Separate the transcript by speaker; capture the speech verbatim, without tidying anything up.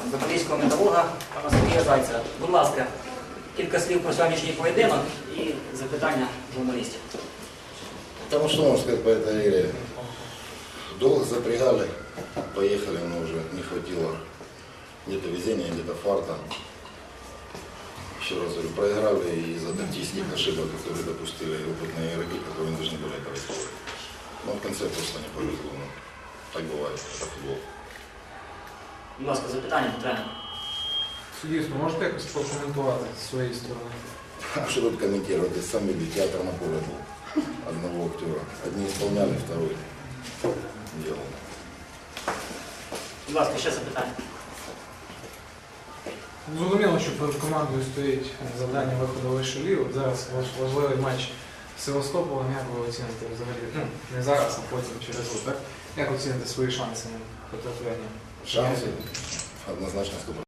Speaker 1: запорізького металурга пана Сергія Зайця. Будь ласка, кілька слів про сьогоднішній поєдинок і запитання журналістів.
Speaker 2: Потому что, можно сказать, по этой игре долго запрягали, поехали, но уже не хватило где-то везения, где-то фарта. Еще раз говорю, проиграли из-за тактических ошибок, которые допустили опытные игроки, которые не должны были этого сделать. Но в конце просто не повезло. Ну, так бывает, это футбол.
Speaker 1: Будь ласка, запитання до тренера.
Speaker 3: Суддівство, можете якось прокоментувати з своєї сторони?
Speaker 2: А что тут комментировать? Я сам видел, театр на поле был. Одного актера. Одни исполняли, второй делал.
Speaker 1: Будь ласка, ще запитання.
Speaker 3: Зрозуміло, що перед командою стоїть завдання виходу в вищу лігу. Зараз важливий матч з Севастополем. Як ви оціните взагалі? Ну, не зараз, а потім через рік, так? Як оціните свої шанси на потрапляння?
Speaker 2: Шансы однозначно сто процентов.